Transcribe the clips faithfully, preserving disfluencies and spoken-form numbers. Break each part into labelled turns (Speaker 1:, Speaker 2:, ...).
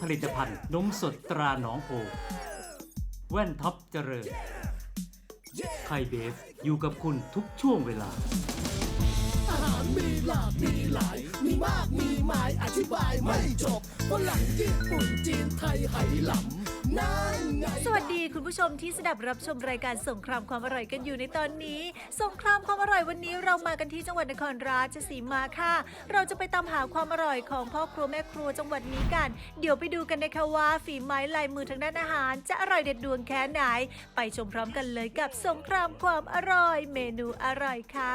Speaker 1: ลิตภัณฑ์นมสดตราหนองโพแว่นท็อปเจริญไทยเบฟอยู่กับคุณทุกช่วงเวลา
Speaker 2: อาหารมีหลากมีหลายมีมากมีหมายอธิบายไม่จบฝรั่งญี่ปุ่นจีนไทยไหหลำนั่นไง
Speaker 3: สวัสดีคุณผู้ชมที่สดับรับชมรายการสงครามความอร่อยกันอยู่ในตอนนี้สงครามความอร่อยวันนี้เรามากันที่จังหวัดนครราชสีมาค่ะเราจะไปตามหาความอร่อยของพ่อครัวแม่ครัวจังหวัดนี้กันเดี๋ยวไปดูกันนะคะว่าฝีไม้ลายมือทางด้านอาหารจะอร่อยเด็ดดวงแค่ไหนไปชมพร้อมกันเลยกับสงครามความอร่อยเมนูอร่อยค่ะ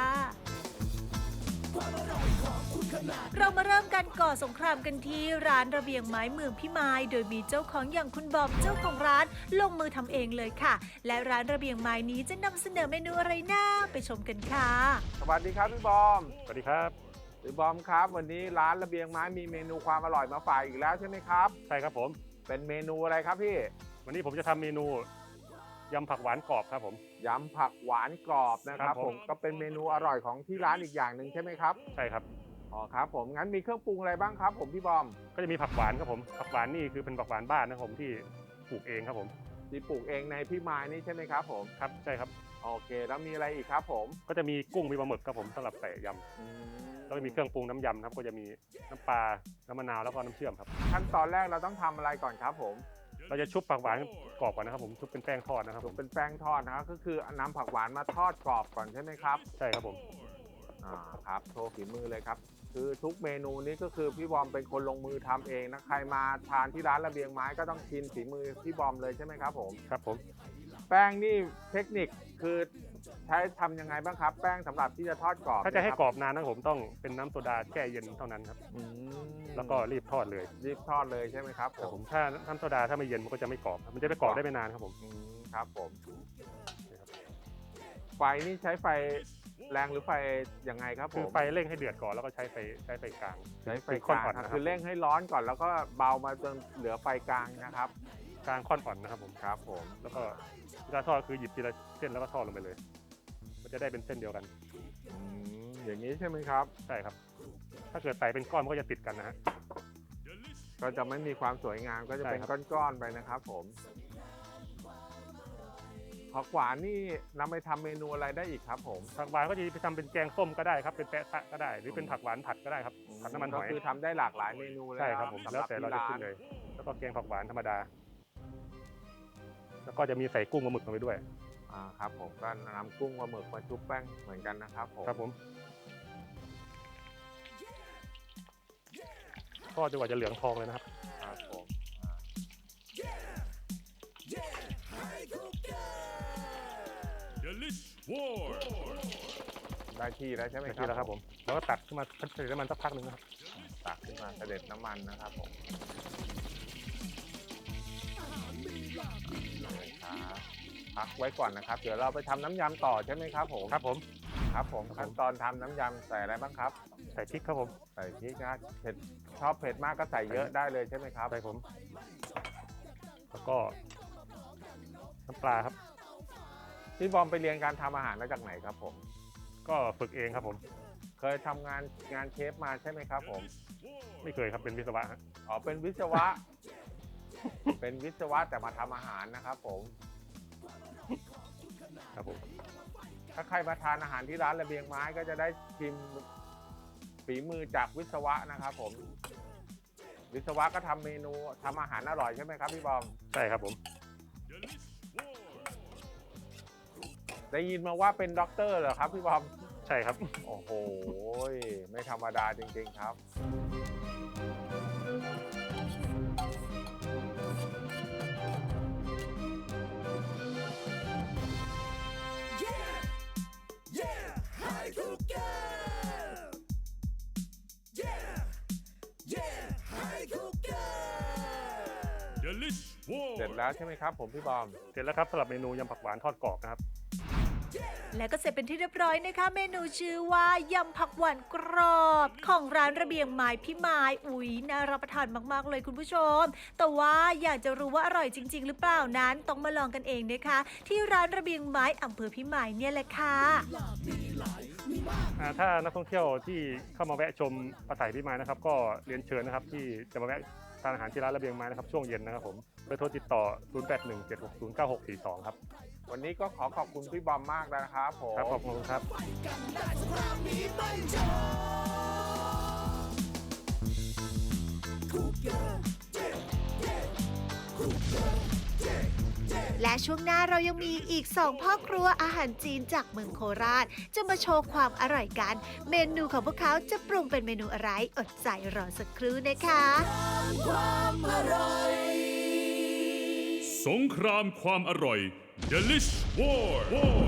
Speaker 3: เรามาเริ่มกันก่อสงครามกันที่ร้านระเบียงไม้เมืองพิมายโดยมีเจ้าของอย่างคุณบอมเจ้าของร้านลงมือทำเองเลยค่ะและร้านระเบียงไม้นี้จะนำเสนอเมนูอะไรน่าไปชมกันค่ะ
Speaker 4: สวัสดีครับพี่บอม
Speaker 5: สวัสดีครับ
Speaker 4: พี่บอมครับวันนี้ร้านระเบียงไม้มีเมนูความอร่อยมาฝากอีกแล้วใช่ไหมครับ
Speaker 5: ใช่ครับผม
Speaker 4: เป็นเมนูอะไรครับพี่
Speaker 5: วันนี้ผมจะทำเมนูยำผักหวานกรอบครับผม
Speaker 4: ยำผักหวานกรอบนะครับผมก็เป็นเมนูอร่อยของที่ร้านอีกอย่างหนึ่งใช่ไหมครับ
Speaker 5: ใช่ครับ
Speaker 4: อ๋อครับผมงั้นมีเครื่องปรุงอะไรบ้างครับผมพี่บอม
Speaker 5: ก็จะมีผักหวานครับผมผักหวานนี่คือเป็นผักหวานบ้านนะครับผมที่ปลูกเองครับผม
Speaker 4: ที่ปลูกเองในพี่ไม้นี่ใช่ไหมครับผม
Speaker 5: ครับใช่ครับ
Speaker 4: โอเคแล้วมีอะไรอีกครับผม
Speaker 5: ก็จะมีกุ้งมีปลาหมึกครับผมสำหรับใส่ยำแล้วก็มีเครื่องปรุงน้ำยำครับก็จะมีน้ำปลาน้ำมะนาวแล้วก็น้ำเชื่อมครับ
Speaker 4: ขั้นตอนแรกเราต้องทำอะไรก่อนครับผม
Speaker 5: เราจะชุบผักหวานกรอบก่อนนะครับผมชุบเป็นแป้งทอดนะครับ
Speaker 4: ชุบเป็นแป้งทอดนะครับก็คือนำผักหวานมาทอดกรอบก่อนใช่ไหมครับ
Speaker 5: ใช่ครับผม
Speaker 4: อ่าครับโชว์ฝีมือเลยครับคือทุกเมนูนี้ก็คือพี่บอมเป็นคนลงมือทำเองนะใครมาทานที่ร้านระเบียงไม้ก็ต้องชิมฝีมือพี่บอมเลยใช่ไหมครับผม
Speaker 5: ครับผม
Speaker 4: แป้งนี่เทคนิคคือใช้ทำยังไงบ้างครับแป้งสำหรับที่จะทอดกรอบ
Speaker 5: ถ้าจะให้กรอบนานนะผมต้องเป็นน้ำโซดาแช่เย็นเท่านั้นครับแล้วก็รีบทอดเลย
Speaker 4: รีบทอดเลยใช่ไหมครับ
Speaker 5: ผมถ้าน้ำโซดาถ้าไม่เย็นมันก็จะไม่กรอบมันจะไม่กรอบได้ไม่นานครับผม
Speaker 4: ครับผมไฟนี่ใช้ไฟแรงหรือไฟยังไงครับผม
Speaker 5: คือไฟเร่งให้เดือดก่อนแล้วก็ใช้ไฟใช้ไฟกลาง
Speaker 4: ใช้ไฟกลางคือเร่งให้ร้อนก่อนแล้วก็เบามาจนเหลือไฟกลางนะครับ
Speaker 5: กลางค่อนอ่อนนะครับผม
Speaker 4: ครับผม
Speaker 5: แล้วก็เวลาทอดคือหยิบทีละเส้นแล้วก็ทอดลงไปเลยมันจะได้เป็นเส้นเดียวกัน
Speaker 4: อย่างนี้ใช่ไหมครับ
Speaker 5: ใช่ครับถ้าเกิดใส่เป็นก้อนมันก็จะติดกันนะฮะ
Speaker 4: ก็จะไม่มีความสวยงามก็จะเป็นก้อนๆไปนะครับผมผักหวานนี่นำไปทำเมนูอะไรได้อีกครับผม
Speaker 5: ผักหวานก็จะไปทำเป็นแกงส้มก็ได้ครับเป็นแปะซะก็ได้หรือเป็นผักหวานผัดก็ได้ครับผัดน้ำมันหอย
Speaker 4: ก็คือทำได้หลากหลายเมนูเลย
Speaker 5: ใช่ครับผมแล้วแต่เราจะขึ้นเลยแล้วก็แกงผักหวานธรรมดาแล้วก็จะมีใส่กุ้งปลาหมึกลงไปด้วย
Speaker 4: อ่าครับผมก็นำกุ้งปลาหมึกมาชุบแป้งเหมือนกันนะครับผม
Speaker 5: ครับผมทอดจนกว่าจะเหลืองทองเลยนะครับ
Speaker 4: ครับผมได้ที่แล้วใช่ไหมครับ
Speaker 5: ได้ที่แล้วครับผมแล้วก็ตักขึ้นมาเสด็จน้ำมันสักพักหนึ่งนะครับ
Speaker 4: ตักขึ้นมาเสด็จน้ำมันนะครับผมพักไว้ก่อนนะครับเดี๋ยวเราไปทำน้ำยำต่อใช่ไหมครับผม
Speaker 5: ครับผม
Speaker 4: ครับผมขั้นตอนทำน้ำยำใส่อะไรบ้างครับ
Speaker 5: ใส่พริกครับผม
Speaker 4: ใส่พริกนะเผ็ดชอบเผ็ดมากก็ใส่เยอะได้เลยใช่ไหมครับ
Speaker 5: ใช่ผมแล้วก็น้ำปลาครับ
Speaker 4: พี่บอมไปเรียนการทำอาหารมาจากไหนครับผม
Speaker 5: ก็ฝึกเองครับผม
Speaker 4: เคยทำงานงานเชฟมาใช่ไหมครับผม
Speaker 5: ไม่เคยครับเป็นวิศวะ
Speaker 4: อ๋อเป็นวิศวะเป็นวิศวะแต่มาทำอาหารนะครับผม
Speaker 5: ครับผม
Speaker 4: ถ้าใครมาทานอาหารที่ร้านระเบียงไม้ก็จะได้ชิมฝีมือจากวิศวะนะครับผมวิศวะก็ทำเมนูทำอาหารอร่อยใช่ไหมครับพี่บอม
Speaker 5: ใช่ครับผม
Speaker 4: ได้ยินมาว่าเป็นด็อกเตอร์เหรอครับพี่บอม
Speaker 5: ใช่ครับ
Speaker 4: โอ้โหไม่ธรรมดาจริงๆครับเสร็จแล้วใช่ไหมครับผมพี่บอม
Speaker 5: เสร็จแล้วครับสำหรับเมนูยำผักหวานทอดกรอบนะครับ
Speaker 3: และก็เสร็จเป็นที่เรียบร้อยนะคะเมนูชื่อว่ายำผักหวานกรอบของร้านระเบียงไม้พี่ไม้อุ๊ยน่ารับประทานมากๆเลยคุณผู้ชมแต่ว่าอยากจะรู้ว่าอร่อยจริงๆหรือเปล่านั้นต้องมาลองกันเองนะคะที่ร้านระเบียงไม้อำเภอพี่ไม้เนี่ยแหละค่ะ
Speaker 5: ถ้านักท่องเที่ยวที่เข้ามาแวะชมปราสาทพี่ไม้นะครับก็เรียนเชิญนะครับที่จะมาแวะทานอาหารที่ร้านระเบียงไม้นะครับช่วงเย็นนะครับผมเบอร์โทรติดต่อ ศูนย์ แปด หนึ่ง เจ็ด หก ศูนย์ เก้า หก สี่ สอง ครับ
Speaker 4: วันนี้ก็ขอขอบคุณพี่บอมมากนะครับผม
Speaker 5: ครับขอบคุณครับ
Speaker 2: กันได้สงครามนี้ไม่จบคูเกอร์คูเกอร์
Speaker 3: และช่วงหน้าเรายังมีอีกสองพ่อครัวอาหารจีนจากเมืองโคราช จะมาโชว์ความอร่อยกัน เมนูของพวกเขาจะปรุงเป็นเมนูอะไรอดใจรอสักครู่นะคะ
Speaker 2: ความอร่อย
Speaker 6: สงครามความอร่อย Delish War War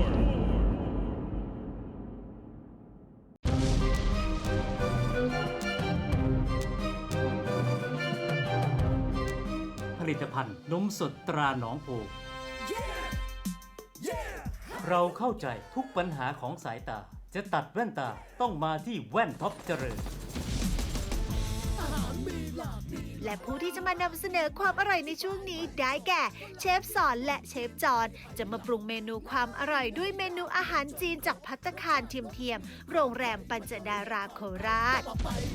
Speaker 1: ผลิตภัณฑ์นมสดตราหนองโพ เราเข้าใจทุกปัญหาของสายตา จะตัดแว่นตาต้องมาที่แว่นท็อปเจริญ
Speaker 3: และผู้ที่จะมานำเสนอความอร่อยในช่วงนี้ได้แก่เชฟสอนและเชฟจอนจะมาปรุงเมนูความอร่อยด้วยเมนูอาหารจีนจากภัตตาคารเทียมๆโรงแรมปัญจดาราโคราช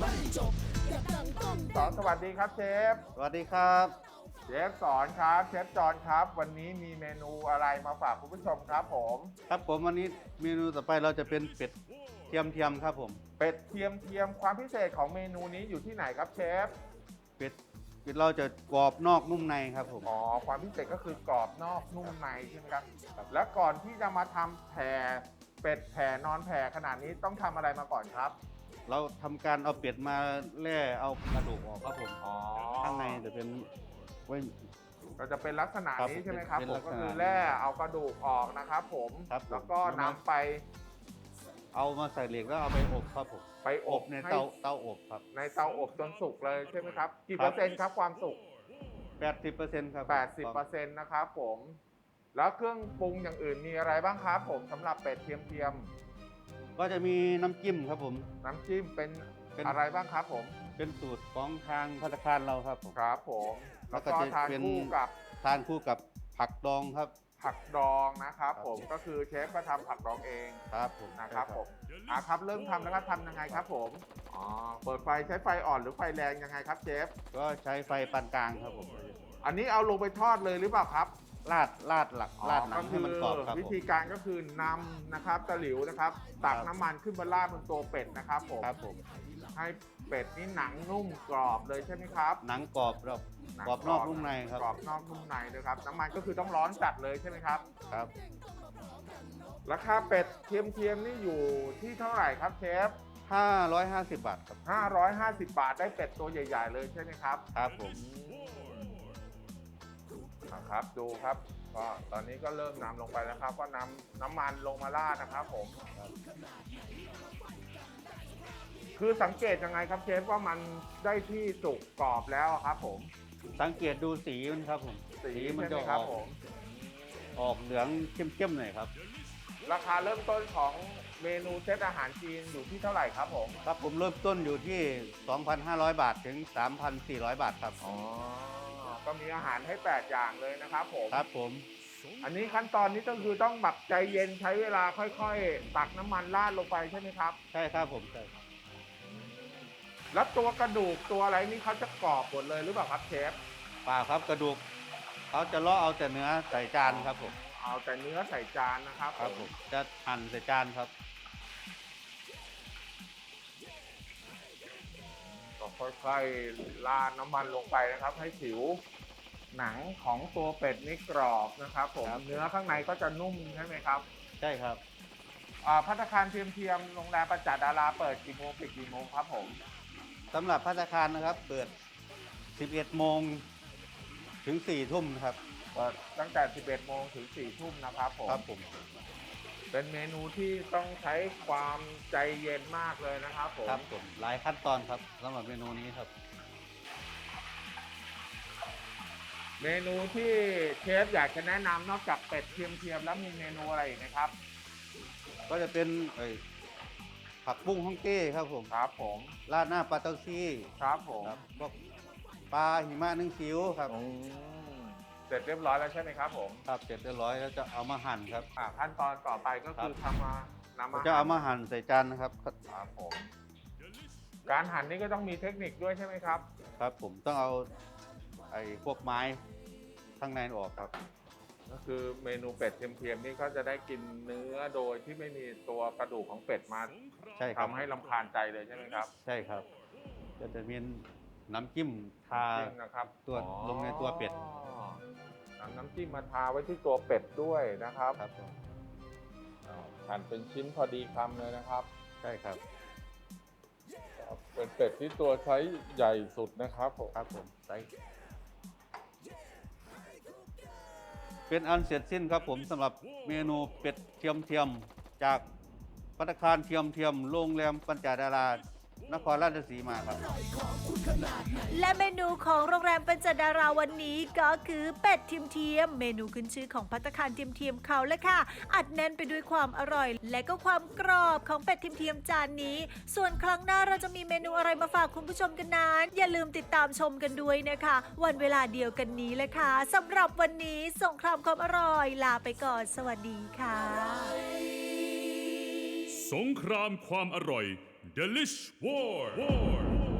Speaker 4: สอนสวัสดีครับเชฟ
Speaker 7: สวัสดีครับ
Speaker 4: เชฟสอนครับเชฟจอนครับ วันนี้มีเมนูอะไรมาฝากคุณผู้ชมครับผม
Speaker 7: ครับผมวันนี้เมนูต่อไปเราจะเป็นเป็ดเทียมเทียมครับผม
Speaker 4: เป็ดเทียมเทียมความพิเศษของเมนูนี้อยู่ที่ไหนครับเชฟ
Speaker 7: เป็ดเป็ดเราจะกรอบนอกนุ่มในครับผม
Speaker 4: อ๋อความพิเศษก็คือกรอบนอกนุ่มในใช่ไหมครับ แล้วก่อนที่จะมาทำแผ่เป็ดแผ่นอนแผ่ขนาดนี้ต้องทำอะไรมาก่อนครับ
Speaker 7: เราทำการเอาเป็ดมาแล่เอากระดูกออกครับผม
Speaker 4: อ๋อ
Speaker 7: ข้างในจะเป็นไว้
Speaker 4: ก็จะเป็นลักษณะ
Speaker 7: ครับ
Speaker 4: นี้ใช่ไหมครับ
Speaker 7: เป็น
Speaker 4: ผ
Speaker 7: ลั
Speaker 4: ม
Speaker 7: กษณะ
Speaker 4: ก็คือแร่เอากระดูกออกนะครับผม
Speaker 7: ครับผม
Speaker 4: แล้วก็นำไป
Speaker 7: เอามาใส่เหล็กแล้วเอาไปอบครับผม
Speaker 4: ไปอ
Speaker 7: อ
Speaker 4: บบ
Speaker 7: ใน
Speaker 4: ให้
Speaker 7: เตาเตาอบครับ
Speaker 4: ในเตาอบจนสุกเลยใช่ไหมครับ กี่
Speaker 7: ครับ
Speaker 4: เปอร์เซ็นต์ครับความสุก
Speaker 7: แปดสิบเปอร์เซ็นต์ครับ
Speaker 4: แปดสิบเปอร์เซ็นต์นะครับผม แล้วเครื่องปรุงอย่างอื่นมีอะไรบ้างครับผมสำหรับเป็ดเทียมเทียม
Speaker 7: ก็จะมีน้ำจิ้มครับผม
Speaker 4: ๆน้ำจิ้มเป็น
Speaker 7: เป็น
Speaker 4: อะไรบ้างครับผม
Speaker 7: เป็นสูตรของทางภัตตาคารเราครับผม
Speaker 4: ครับผม
Speaker 7: แล้
Speaker 4: แล้ว ว
Speaker 7: ก็
Speaker 4: ก็
Speaker 7: จะ
Speaker 4: ทาน
Speaker 7: เป็น
Speaker 4: คู่กับ
Speaker 7: ทานคู่กับผักดองครับ
Speaker 4: ผักดองนะครับ
Speaker 7: ครับ
Speaker 4: ผมก็คือเชฟก็ทำผักดองเอง
Speaker 7: ครับผม
Speaker 4: นะครับผมอ่ะครับเริ่มทำแล้วก็ทำยังไงครับผมอ๋อเปิดไฟใช้ไฟอ่อนหรือไฟแรงยังไงครับเชฟ
Speaker 7: ก็ใช้ไฟปานกลางครับผม
Speaker 4: อันนี้เอาลงไปทอดเลยหรือเปล่าครับ
Speaker 7: ลาดลาดหลักลาดหนังให้มันกรอบครับ
Speaker 4: วิ
Speaker 7: ผม
Speaker 4: ธีการก็คือนำนะครับตะหลิวนะครับ ตักน้ำมันขึ้นมาราดบนตัวเป็ดนะครับผม
Speaker 7: ครับผม
Speaker 4: ให้เป็ดนี่หนังนุ่มกรอบเลยใช่ไหมครับ
Speaker 7: หนังกรอบเรา
Speaker 4: หนัง
Speaker 7: กรอบนอกนุ่มในครับ
Speaker 4: กรอบนอกนุ่มในเลยครับน้ำมันก็คือต้องร้อนจัดเลยใช่ไหมครับ
Speaker 7: ครับ
Speaker 4: ราคาเป็ดเทียมๆนี่อยู่ที่เท่าไหร่ครับเชฟ
Speaker 7: ห้าร้อยห้าสิบบาทครับ
Speaker 4: ห้าร้อยห้าสิบบาทได้เป็ดตัวใหญ่ ๆ เลยใช่ไหมครับ
Speaker 7: ครับผม
Speaker 4: นะครับดูครับก็ตอนนี้ก็เริ่มนำลงไปแล้วครับ ก็นำน้ำมันลงมาราดนะครับผม คือสังเกตยังไงครับเชฟว่ามันได้ที่สุกกรอบแล้วครับผม
Speaker 7: สังเกตดูสีมันครับผม
Speaker 4: สี
Speaker 7: มั
Speaker 4: ใช่
Speaker 7: จะ
Speaker 4: ไหม
Speaker 7: อ
Speaker 4: ครับ
Speaker 7: อก
Speaker 4: ผม
Speaker 7: ออกเหลืองเข้มๆหน่อยครับ
Speaker 4: ราคาเริ่มต้นของเมนูเซตอาหารจีนอยู่ที่เท่าไหร่ครับผม
Speaker 7: ครับผมเริ่มต้นอยู่ที่ สองพันห้าร้อย บาทถึง สามพันสี่ร้อย บาทครับ
Speaker 4: อ๋อก็มีอาหารให้แปดอย่างเลยนะครับผม
Speaker 7: ครับผม
Speaker 4: อันนี้ขั้นตอนนี้ก็คือต้องแบบใจเย็นใช้เวลาค่อยๆ ตักน้ำมันราดลงไปใช่ไหมครับ
Speaker 7: ใช่ครับผมใช่
Speaker 4: แล้วตัวกระดูกตัวอะไรนี่เขาจะกรอบหมดเลยหรือเปล่าครับเชฟ
Speaker 7: เปล่าครับกระดูกเขาจะเลาะเอาแต่เนื้อใส่จานครับผม
Speaker 4: เอาแต่เนื้อใส่จานนะครับ
Speaker 7: ครับผมจะหั่นใส่จานครับ
Speaker 4: ก็ค่อยๆราดน้ำมันลงไปนะครับ ให้ผิวหนังของตัวเป็ดนี่กรอบนะครับผม
Speaker 7: ครับ
Speaker 4: เนื้อข้างในก็จะนุ่มใช่ไหมครับ
Speaker 7: ใช่ครับ
Speaker 4: อ่าภัตตาคารเทียมๆโรงแรมประจักษ์ดาราเปิดกี่โมงปิดกี่โมงครับผม
Speaker 7: สำหรับภัตตาคารนะครับ เปิด สิบเอ็ดโมงถึงสี่ทุ่มครับ
Speaker 4: เปิดตั้งแต่ สิบเอ็ดโมงถึง สี่ทุ่มนะครับผม
Speaker 7: ครับผม
Speaker 4: เป็นเมนูที่ต้องใช้ความใจเย็นมากเลยนะครับผม
Speaker 7: ครับผมหลายขั้นตอนครับสำหรับเมนูนี้ครับ
Speaker 4: เมนูที่เชฟอยากจะแนะนำนอกจากเป็ดเทียมๆแล้วมีเมนูอะไรอีกไหมครับ
Speaker 7: ก็จะเป็นเอ่ยผักบุ้งฮ่องเต้ครับผม
Speaker 4: ครับผม
Speaker 7: ราดหน้าปลาเต้าซี่
Speaker 4: ครับผม
Speaker 7: ครับพวกปลาหิมะนึ่งคิ้วครับ
Speaker 4: อืมเสร็จเรียบร้อยแล้วใช่ไหมครับผม
Speaker 7: ครับเสร็จเรียบร้อยแล้วจะเอามาหั่นครับ
Speaker 4: อ่าขั้นตอนต่อไปก็คือทำมานำมา
Speaker 7: จะเอามาหั่นใส่จานนะครับ
Speaker 4: ครับผมการหั่นนี่ก็ต้องมีเทคนิคด้วยใช่ไหมครับ
Speaker 7: ครับผมต้องเอาไอ้พวกไม้ข้างในออกครับ
Speaker 4: ก็คือเมนูเป็ดเทียมๆนี่ก็จะได้กินเนื้อโดยที่ไม่มีตัวกระดูกของเป็ดมา
Speaker 7: ใช่ครับ
Speaker 4: ทำให้รำคาญใจเลยใช่ไหมครับ
Speaker 7: ใช่ครับก็จะมีน้ำจิ้มทา
Speaker 4: จริงนะครับ
Speaker 7: ตัว
Speaker 4: อ๋อ
Speaker 7: ลงในตัวเป็ด
Speaker 4: นำน้ำจิ้มมาทาไว้ที่ตัวเป็ดด้วยนะครับ
Speaker 7: ครับผม
Speaker 4: อ่าหั่นเป็นชิ้นพอดีคำเลยนะครับ
Speaker 7: ใช่ครับ
Speaker 4: ครับเป็นเป็ดที่ตัวไซส์ใหญ่สุดนะครับผม
Speaker 7: ครับผมไซส์เป็นอันเสร็จสิ้นครับผมสำหรับเมนูเป็ดเทียมเทียมๆจากภัตตาคารเทียมเทียมโรงแรมปัญจดารานครราชสีมาครับ
Speaker 3: และเมนูของโรงแรมเป็นจดาราวันนี้ก็คือเป็ดเทียมเทียมเมนูขึ้นชื่อของภัตตาคารเทียมเทียมเขาเลยค่ะ อัดแน่นไปด้วยความอร่อย และก็ความกรอบของเป็ดเทียมเทียมจานนี้ ส่วนครั้งหน้าเราจะมีเมนูอะไรมาฝากคุณผู้ชมกันนั้นอย่าลืมติดตามชมกันด้วยนะคะ วันเวลาเดียวกันนี้เลยค่ะสำหรับวันนี้สงครามความอร่อยลาไปก่อนสวัสดีค่ะ
Speaker 6: สงครามความอร่อย Delish War